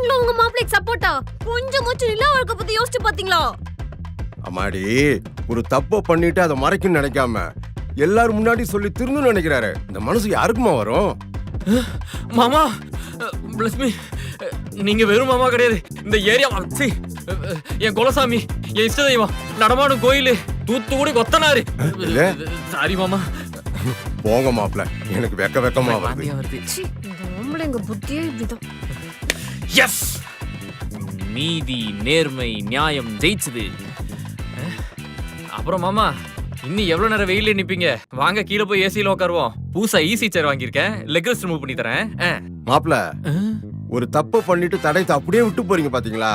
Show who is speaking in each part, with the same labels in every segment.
Speaker 1: நீங்களும் உங்க மாப்பிளைக்கு சப்போர்ட்டா? கொஞ்சம் மூச்சு நிலா அவளுக்கு பத்தி யோசிச்சு பாத்தீங்களா?
Speaker 2: அம்மாடி, ஒரு தப்ப பண்ணிட்டு அதை மறைக்கணும்னு நினைக்காம எல்லாரும் முன்னாடி சொல்லி திருந்தணும்னு நினைக்கிறாரு. இந்த மனசு யாருக்குமா வரும்?
Speaker 3: மாமா bless me. நீங்க வெறும் மாமா கிடையாது, இந்த ஏரியா என் குலசாமி, என் இஷ்ட தெய்வம், நடமாடும் கோயிலு, தூத்துக்குடி கொத்தனாரு. சாரி மாமா.
Speaker 2: போங்க மாப்பிள்ள, எனக்கு வெக்கமா வருது.
Speaker 1: எங்க புத்தியே இப்படிதான்.
Speaker 3: எஸ், நீதி நேர்மை நியாயம் ஜெயிச்சது. அப்புறம் மாமா, இன்னும் எவ்வளவு நேரம் வெயில நிப்பீங்க? வாங்க கீழே போய் ஏசியில உட்காருவோம். பூசா ஈஸி சேர் வாங்கியிருக்கேன், லெக் ரெஸ்ட் ரிமூவ் பண்ணி தரேன்.
Speaker 2: மாப்பிள்ள, ஒரு தப்பு பண்ணிட்டு தடையத்தை அப்படியே விட்டு போறீங்க பாத்தீங்களா?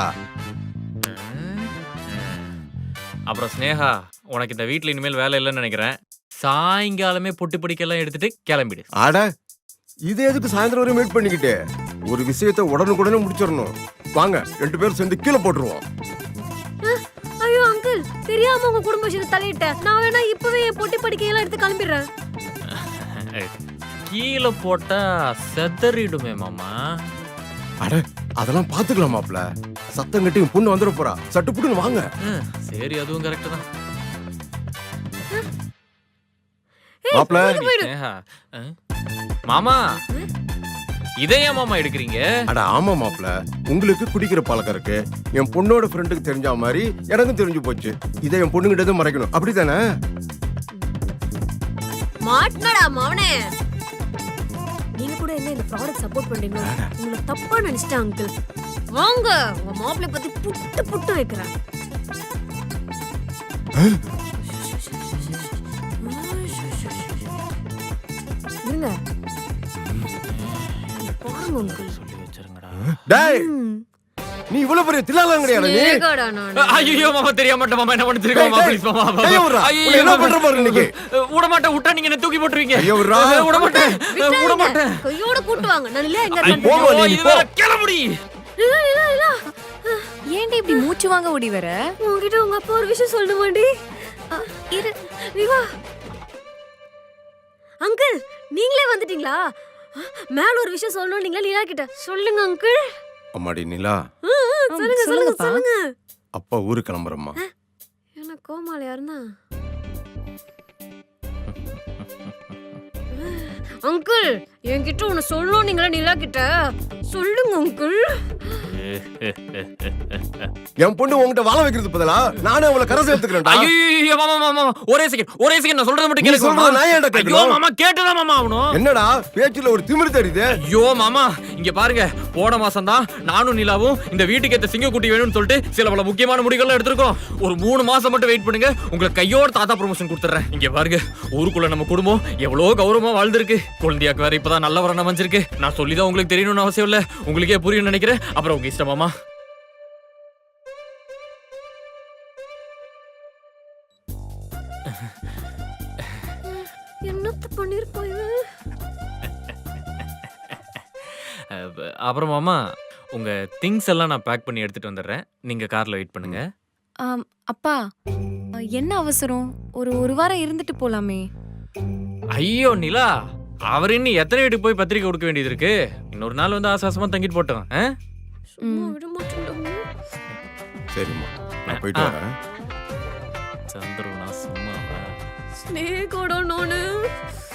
Speaker 3: அப்புறம் ஸ்னேகா, உனக்கு இந்த வீட்டுல இனிமேல் வேலை இல்லைன்னு நினைக்கிறேன். சாயங்காலமே பொட்டு படிக்கெல்லாம் எடுத்துட்டு கிளம்பிடு.
Speaker 2: ஆட, இது எதுக்கு சாயந்தரம் வரையும் வெயிட் பண்ணிக்கிட்டு? ஒரு விஷயத்தை உடனுக்குடனே முடிச்சிடணும். வாங்க, 2 பேரும் சேர்ந்து கீழே போட்டுருவோம்.
Speaker 1: ஐயோ அங்கிள், தெரியாம உங்க குடும்ப விஷயத்தை தலையிட்டேன். நான் வேணா இப்பவே என் பொட்டி படிக்கையெல்லாம் எடுத்து கிளம்பிடுறேன்.
Speaker 3: கீழே போட்டா செதறிடுமே மாமா.
Speaker 2: அட, அதெல்லாம் பாத்துக்கலாம் மாப்பிள்ள. சத்தம் கட்டி பொண்ணு வந்துட போறா. சட்டு புட்டுன்னு வாங்க.
Speaker 3: சரி, அதுவும் கரெக்ட் தான்.
Speaker 2: மாப்பிள்ள,
Speaker 3: மாமா இதையா மாமா எடுக்கிறீங்க?
Speaker 2: அட ஆமா மாப்பிள்ள, உங்களுக்கு குடிக்கிற பழக்கம் இருக்கு. என் பொண்ணோட ஃப்ரெண்டுக்கு தெரிஞ்ச மாதிரி எனக்கும் தெரிஞ்சு போச்சு. இதை என் பொண்ணுகிட்ட மறைக்கணும், அப்படித்தானே?
Speaker 1: மாட்னடா மவனே. நீங்க கூட என்ன இந்த ப்ராடக்ட் சப்போர்ட் பண்றீங்க? உங்களை தப்பா நினைச்சிட்டேன் அங்கிள். வாங்க, உங்க மாப்பிளை பத்தி புட்டு புட்டு வைக்கிறேன். இருங்க பாருங்க அங்கிள்.
Speaker 3: சொல்லி வச்சிருங்கடா.
Speaker 2: டேய், நீ இவ்வளவு பெரிய தில்லாலங்கறியாடா நீ?
Speaker 1: ஏகடா நான்.
Speaker 3: ஐயோ மாமா, தெரியாம மாட்டேன் மாமா, என்ன பண்ணிருக்க மாமா, ப்ளீஸ் மாமா.
Speaker 2: ஐயோ, என்ன பண்ற பாரு இன்னைக்கு.
Speaker 3: விட மாட்டேன், விட்டா நீங்க என்ன தூக்கி போட்டுருவீங்க.
Speaker 2: ஐயோ
Speaker 3: விட மாட்டேன், விட மாட்டேன்.
Speaker 1: கையோட கூட்டு வாங்க. நான் இல்ல எங்க
Speaker 2: போங்க நீ போ.
Speaker 3: கிளம்புடி.
Speaker 1: இல்ல
Speaker 4: ஏன்டி இப்படி மூச்சு வாங்க ஓடி வர?
Speaker 1: உன்கிட்ட உங்க அப்பா ஒரு விஷயம் சொல்லணுமாடி? இரு, நீ வா. அங்கிள், நீங்களே வந்துட்டீங்களா? மேல ஒரு விஷயம் சொல்லணும். நீங்களா லீலா கிட்ட சொல்லுங்க அங்கிள்.
Speaker 2: அம்மாடி நிலா,
Speaker 1: சொல்லுங்க.
Speaker 2: அப்பா ஊருக்கு கிளம்புறம்மா.
Speaker 1: என்ன கோமாளியா இருந்தா? அங்கிள், என்கிட்ட ஒன்னு சொல்லணும். நீங்களா நிலா கிட்ட சொல்லுங்க அங்கிள்.
Speaker 2: என் பொண்ணு உன்கிட்ட வாழ வைக்கிறது பதிலா நானே அவளை கரை சேர்த்துக்கிறேன்டா.
Speaker 3: ஐயோ மாமா மாமா, ஒரே செகண்ட் நான் சொல்றது மட்டும் கேளுங்க மாமா.
Speaker 2: நான் ஏன்டா கேட்கணும்?
Speaker 3: ஐயோ மாமா, கேட்டுதான் மாமா ஆகணும்.
Speaker 2: என்னடா பேச்சுல ஒரு திமிரு தெரியுது?
Speaker 3: ஐயோ மாமா, இங்க பாருங்க, போன மாசம் தான் நானும் நிலாவும் இந்த வீட்டுக்கு ஏத்த சிங்கக்குட்டி வேணும்னு சொல்லிட்டு சில பல முக்கியமான முடிவுகள் எடுத்திருக்கோம். ஒரு 3 மாசம் மட்டும் வெயிட் பண்ணுங்க, உங்களுக்கு கையோட தாத்தா ப்ரமோஷன் கொடுத்துறேன். இங்க பாருங்க, ஊருக்குள்ள நம்ம குடும்பம் எவ்வளவு கௌரவமா வாழ்ந்திருக்கு. குழந்தையாக்கு வேற இப்பதான் நல்ல வரணும் அமைஞ்சிருக்கு. நான் சொல்லிதான் உங்களுக்கு தெரியணும்னு அவசியம் இல்ல, உங்களுக்கே புரியும் நினைக்கிறேன். அப்புறம் உங்க இஷ்டம் மாமா.
Speaker 1: என்னத்த பண்ணிருப்பாங்க?
Speaker 3: அப்புறம் மாமா, உங்க திங்ஸ் எல்லாம் நான் பேக் பண்ணி எடுத்துட்டு வந்துடுறேன். நீங்க கார்ல வெயிட் பண்ணுங்க.
Speaker 4: அப்பா, என்ன அவசரம்? ஒரு வாரம் இருந்துட்டு போலாமே.
Speaker 3: ஐயோ நிலா, அவர் இன்னும் எத்தனை வீட்டுக்கு போய் பத்திரிக்கை கொடுக்க வேண்டியது இருக்கு? இன்னொரு நாள் வந்து ஆசாசமா தங்கிட்டு போட்டோம்.
Speaker 1: சும்மா விட மாட்டேன்டா.
Speaker 2: சரிம்மா, நான் போயிட்டு வரேன்.
Speaker 3: சந்திரனா சும்மா
Speaker 1: ஸ்னேகோட நானு